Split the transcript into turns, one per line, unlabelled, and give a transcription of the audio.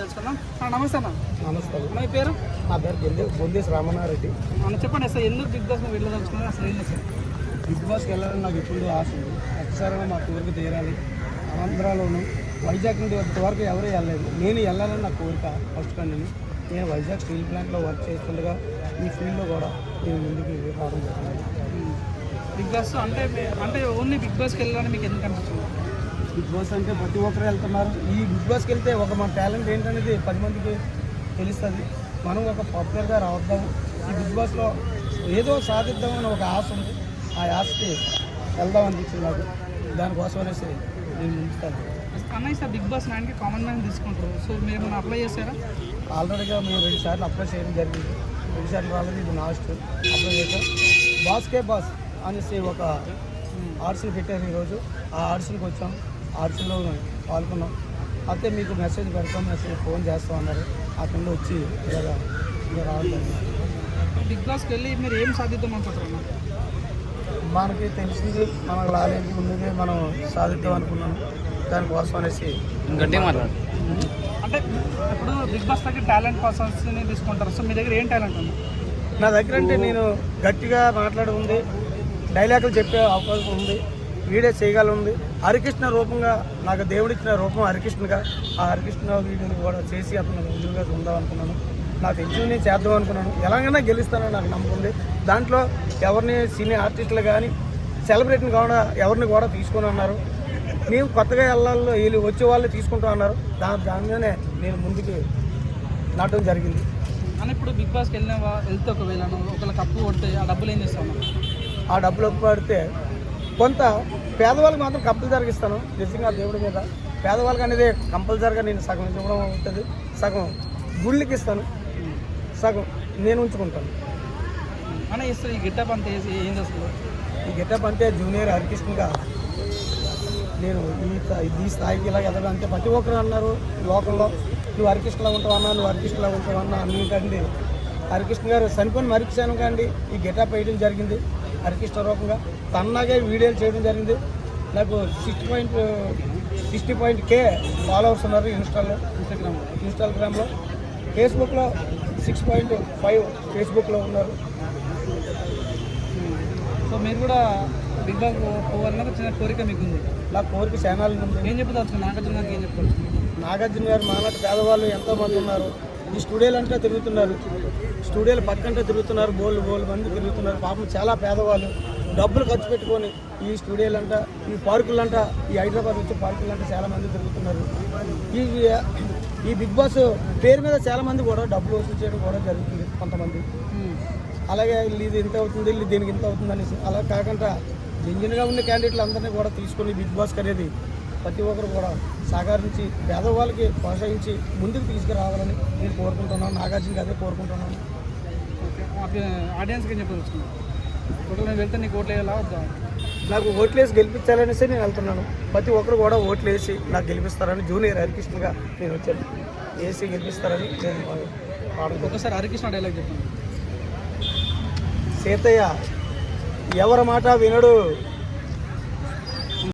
తెలుసుకుందాం. నమస్తే అన్న.
నమస్తే.
మీ పేరు?
నా పేరు బొందేశ్ రామనారెడ్డి.
అన్న చెప్పండి అసలు ఎందుకు బిగ్ బాస్ వెళ్ళదలుచుకున్నారు, అసలు ఏంటి సార్?
బిగ్ బాస్కి వెళ్ళాలని నాకు ఎప్పుడు ఆశ ఉంది. ఒక్కసారి మా కోరిక తీరాలి. ఆంధ్రాలోను వైజాగ్ నుండి ఇంతవరకు ఎవరు వెళ్ళలేదు. నేను వెళ్ళాలని నా కోరిక ఫస్ట్ కానీ నేను వైజాగ్ స్టీల్ ప్లాంట్లో వర్క్ చేస్తుండగా ఈ ఫీల్డ్లో కూడా నేను ముందుకు రావడం జరిగింది.
బిగ్ బాస్ అంటే ఓన్లీ బిగ్ బాస్కి వెళ్ళాలని మీకు ఎందుకు అనిపించింది?
బిగ్ బాస్ అంటే ప్రతి ఒక్కరు వెళ్తున్నారు. ఈ బిగ్ బాస్కి వెళ్తే మన టాలెంట్ ఏంటనేది 10 మందికి తెలుస్తుంది. మనం ఒక పాపులర్గా రావద్దాం, ఈ బిగ్ బాస్లో ఏదో సాధిద్దామని ఒక ఆశ ఉంది. ఆ ఆశకి వెళ్దాం అనిపించింది నాకు. దానికోసం అనేసి నేను ముందుతాను.
అన్న సార్ బిగ్ బాస్ 9కి కామన్ మ్యాన్ తీసుకుంటారు. సో మీరు ఏమైనా అప్లై చేశారా?
ఆల్రెడీగా మేము 2 సార్లు అప్లై చేయడం జరిగింది. 2 సార్లు రాలేదు, ఇది లాస్ట్ అప్లై చేశాం. బాస్కే బాస్ అనేసి ఒక ఆడిషన్ పెట్టారు ఈరోజు. ఆ ఆడిషన్కి వచ్చాం, ఆడిషన్లో పాల్గొన్నాం. అయితే మీకు మెసేజ్ పెడతాం, ఫోన్ చేస్తాం అన్నారు. అక్కడ వచ్చి ఇలా రావడం.
బిగ్ బాస్కి వెళ్ళి మీరు ఏం సాధిద్దాం అనుకుంటారు?
మనకి తెలిసింది మనకు రాలేదు, ముందుగా మనం సాధిద్దాం అనుకున్నాం. దానికోసం అనేసి
గట్టిగా మాట్లాడు. అంటే ఇప్పుడు బిగ్ బాస్ దగ్గర టాలెంట్ పర్సన్స్ని తీసుకుంటారు. సో మీ దగ్గర ఏం టాలెంట్ ఉంది?
నా దగ్గర అంటే నేను గట్టిగా మాట్లాడి ఉంది, డైలాగులు చెప్పే అవకాశం ఉంది, వీడియో చేయగల ఉంది. హరికృష్ణ రూపంగా నాకు దేవుడిచ్చిన రూపం హరికృష్ణగా, ఆ హరికృష్ణ వీడియోని కూడా చేసి అతను ఎదురుగా ఉందాం అనుకున్నాను. నాకు తెలిసి నేను చేద్దాం అనుకున్నాను. ఎలాగైనా గెలుస్తానని నాకు నమ్మకం ఉంది. దాంట్లో ఎవరిని సినీ ఆర్టిస్టులు కానీ సెలబ్రిటీని కూడా ఎవరిని కూడా తీసుకొని అన్నారు. మేము కొత్తగా వెళ్ళాలో వీళ్ళు వచ్చే వాళ్ళు తీసుకుంటా అన్నారు. దానిలోనే నేను ముందుకు నాటడం జరిగింది.
అని ఇప్పుడు బిగ్ బాస్కి వెళ్తే ఒకవేళ ఒకవేళ కప్పు కొడితే ఆ డబ్బులు ఏం చేస్తాను?
ఆ డబ్బులు ఒప్పు పడితే కొంత పేదవాళ్ళకి మాత్రం కంపల్సరీగా ఇస్తాను. నిజంగా దేవుడి మీద పేదవాళ్ళకి అనేది కంపల్సరీగా నేను సగం ఇవ్వడం అవుతుంది. సగం గుళ్ళకి ఇస్తాను, సగం నేను ఉంచుకుంటాను.
అని ఇస్తారు. ఈ గెటప్ అంతా ఏం చేస్తారు?
ఈ గెటప్ అంటే జూనియర్ హరికృష్ణగా నేను ఈ స్థాయికి ఇలా ఎదగడం అంతే. ప్రతి ఒక్కరు అన్నారు లోకంలో, నువ్వు హరికృష్ణలా ఉంటావన్నా, నువ్వు హరికృష్ణలా ఉంటావన్నా అన్నింటండి. హరికృష్ణ గారు చనిపోయిన మరిక్షాను కానీ ఈ గెటప్ వేయడం జరిగింది. హరికృష్ణ రూపంగా తన్నాగే వీడియోలు చేయడం జరిగింది. నాకు 60.K ఫాలోవర్స్ ఉన్నారు ఇన్స్టాగ్రామ్లో. ఫేస్బుక్లో 6.5 ఫేస్బుక్లో ఉన్నారు.
సో మీరు కూడా బిగ్ బాస్ పోవాలన్న చిన్న కోరిక మీకు ఉంది?
నా కోరిక ఛానల్ ఉంది.
ఏం చెప్తారు నాగార్జున గారికి? ఏం చెప్తారు?
నాగార్జున గారు మాలాంటి పేదవాళ్ళు ఎంతోమంది ఉన్నారు. ఈ స్టూడియోలు అంటే తిరుగుతున్నారు, స్టూడియోలు పక్కంటే తిరుగుతున్నారు, బోళ్ళు మంది తిరుగుతున్నారు. పాపం చాలా పేదవాళ్ళు డబ్బులు ఖర్చు పెట్టుకొని ఈ స్టూడియోలంట, ఈ పార్కులంట, ఈ హైదరాబాద్ వచ్చే పార్కులంట చాలామంది తిరుగుతున్నారు. ఈ బిగ్ బాస్ పేరు మీద చాలామంది కూడా డబ్బులు వసూలు చేయడం కూడా జరుగుతుంది కొంతమంది. అలాగే ఇది ఇంత అవుతుంది, దీనికి ఇంత అవుతుంది అనేసి అలా కాకుండా జెన్యున్గా ఉన్న క్యాండిడేట్లు అందరినీ కూడా తీసుకొని బిగ్ బాస్కి అనేది ప్రతి ఒక్కరు కూడా సహకరించి పేదవాళ్ళకి ప్రోత్సహించి ముందుకు తీసుకురావాలని నేను కోరుకుంటున్నాను. నాగార్జునకి అదే కోరుకుంటున్నాను.
ఆడియన్స్కి ఏం చెప్పదలుచుకున్నాను? నేను వెళ్తే నీకు ఓట్లు వేయాలా వద్దా?
నాకు ఓట్లేసి గెలిపించాలనేసి నేను వెళ్తున్నాను. ప్రతి ఒక్కరు కూడా ఓట్లు వేసి నాకు గెలిపిస్తారని జూనియర్ హరికృష్ణగా నేను వచ్చాను. వేసి గెలిపిస్తారని నేను
ఒకసారి హరికృష్ణ డైలాగ్ చెప్పాను.
సీతయ్య ఎవరి మాట వినడు,